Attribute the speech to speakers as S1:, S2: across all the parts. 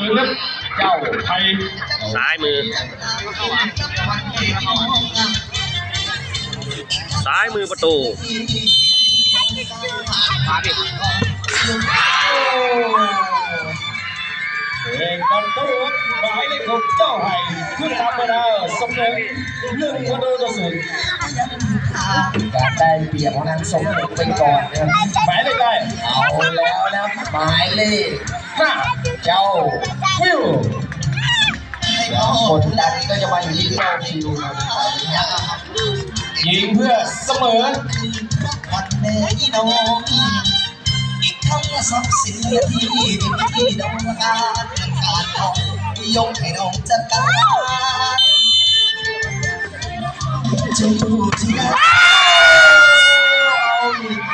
S1: ครับเจ้าไทย
S2: ซ้ายมือประตู
S1: เองกันตู้หมายเลขของเจ้าไห่ขึ้นทำมาแล้วสมเด็จ1-0
S3: การได้เปรียบของทางสมเด็จไปก่อนนะครับ
S1: หมายเลขได้
S3: เอาแล้วนะหมายเลขเจ้า
S1: วิว
S3: กดดันก็จะมาอยู่ที่เจ้าคิว
S1: ยิงเพื่อเสมอ
S3: วันแม่ยี่น้องอีกทั้งทรัพย์สินที่น้องการน้องยกให้น้องจัดการจะอยู่ที่ไหนเอาอีก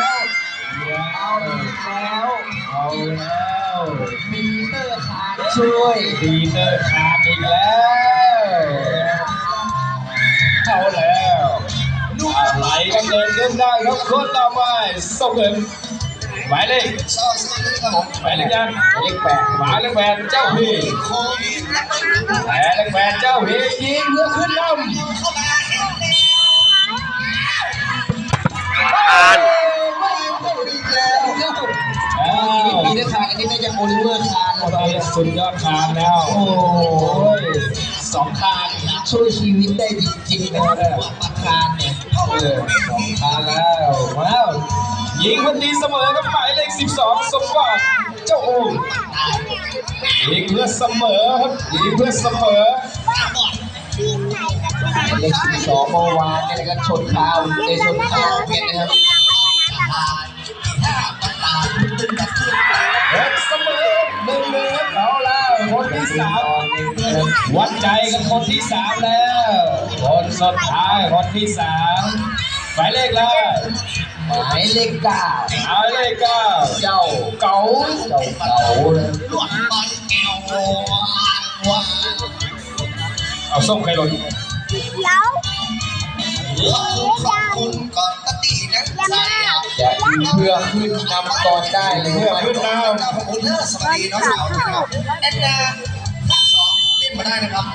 S3: แล้วมีเตอร์คานช่วย
S1: ดีเตอร์คานอีกแล้วเอาแล้วไหลกันเดินขึ้นได้ครับคนต่อไปส่งเงินหมายเลขหมายเลขยัง
S3: หมายเลข8
S1: หมายเลข8เจ้าพีหมายเลข8เจ้าพียิงเพื่อขึ้นลำ
S2: อ่าน
S3: มีเตอร์คานอันนี้น่าจะโอลิเวอร์คานแล้ว
S1: สุดยอดคานแล้วโอ้ย2 คาน
S3: ช่วยชีวิตได้จริงๆนะครับคานเนี่ย
S1: 2 คานแล้วว้าวยิงคนดีเสมอกับหมายเลข12สมบัติเจ้าโอ่งยิงเพื่อเสมอครับยิงเพื่อเสมอ
S3: เลข12เมื่อวานเนี่ยนะครับชนคาวในชนคาวเพชรนะครับ
S1: เสมอ1-1เอาแล้วคนที่3วัดใจกันคนที่3แล้วคนสุดท้ายคนที่3หมายเลขแล้ว
S3: หมายเลข9
S1: หมายเลข9
S3: เจ้า
S1: เก๋า
S3: เลย
S1: เอาส้มใครหล่น
S3: จะเพื่อขึ้นนำก่อนได้เลย
S1: เพื่อขึ้นนำ
S3: สวัสดีน้องสาวนะครับแอนนา2เล่นมาได้นะครับ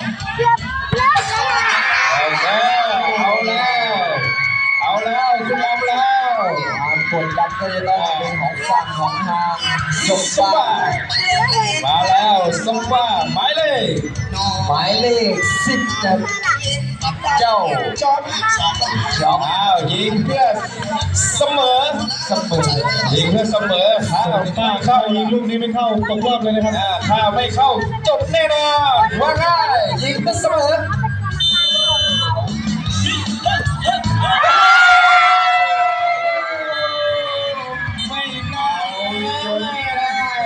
S1: เอาแล้วขึ้นนำแล้ว
S3: ความกดดันก็จะต้องเป็นของฝั่งของทาง
S1: สมบ้ามาแล้วสมบ้าหมายเลข
S3: 10นะเจ้า
S1: จอมยิงเพื่อเสมอยิงเพื่อเสมอถ้าเข้ายิงลูกนี้ไม่เข้าตกรอบเลยนะครับถ้าไม่เข้าจบแน่นอนว่าง่าย